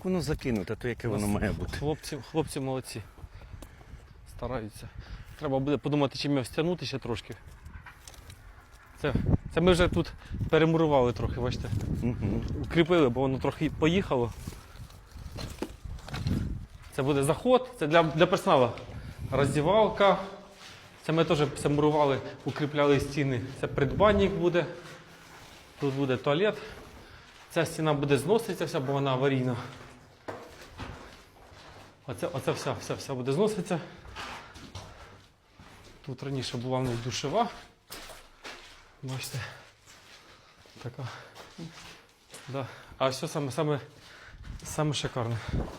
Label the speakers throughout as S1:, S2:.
S1: як воно закинуте, то яке воно має бути.
S2: Хлопці молодці. Стараються. Треба буде подумати, чим його стягнути ще трошки. Це ми вже тут перемурували трохи, бачите. Укріпили, бо воно трохи поїхало. Це буде заход, це для персоналу. Роздівалка. Це ми теж все мурували, укріпляли стіни. Це придбанник буде. Тут буде туалет. Ця стіна буде зноситися вся, бо вона аварійна. Оце вся буде зноситися. Тут раніше була в нас душева. Бачите. Така. Да. А все саме шикарне.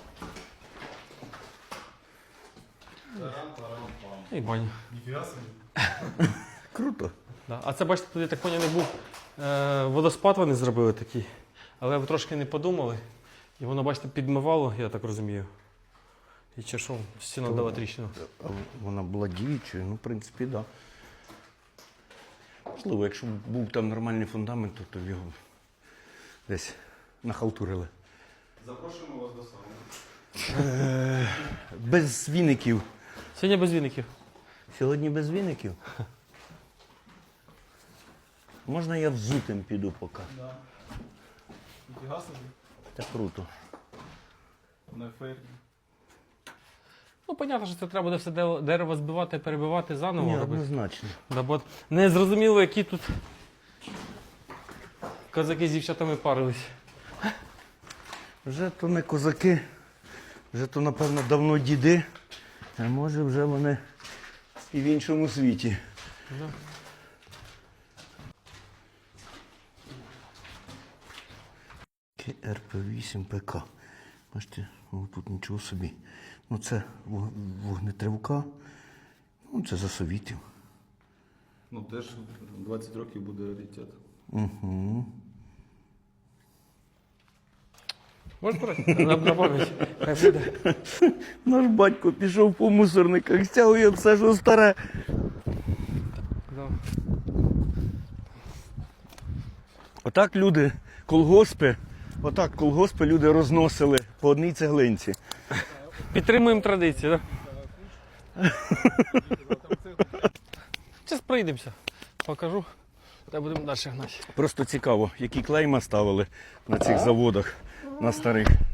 S2: І баня.
S3: Ніфіга собі.
S1: Круто.
S2: Да. А це, бачите, тут, я так поняв, був водоспад вони зробили такий. Але ви трошки не подумали. І воно, бачите, підмивало, я так розумію. І чи що, стіна дала тріщину.
S1: Вона була діючою, ну, в принципі, так. Да. Можливо, якщо б був там нормальний фундамент, то його десь нахалтурили.
S3: Запрошуємо вас до сауни.
S1: Без віників.
S2: Сьогодні без віників.
S1: Сьогодні без віників? Можна я взутим піду поки?
S3: Да. Ніфіга собі.
S1: Це круто.
S3: На ефірі.
S2: Ну, зрозуміло, що це треба буде все дерево збивати, перебивати заново
S1: Ні,
S2: робити.
S1: однозначно.
S2: Да, бо не зрозуміло, які тут козаки з дівчатами парились.
S1: Вже то не козаки, вже то, напевно, давно діди, а може вже вони і в іншому світі.
S2: Да.
S1: РП-8 ПК. Бачите, о, тут нічого собі. Ну це вогнетривка, ну це за совітів.
S3: Ну теж 20 років буде раритет.
S1: Угу.
S2: Можеш брати? На пам'ять. Хай буде.
S1: Наш батько пішов по мусорниках, стягує все, що старе.
S2: Да.
S1: Отак люди, колгоспи люди розносили по одній цеглинці.
S2: Підтримуємо традиції, так? Зараз пройдемося. Покажу, та будемо далі гнати.
S1: Просто цікаво, які клейма ставили на цих заводах, на старих.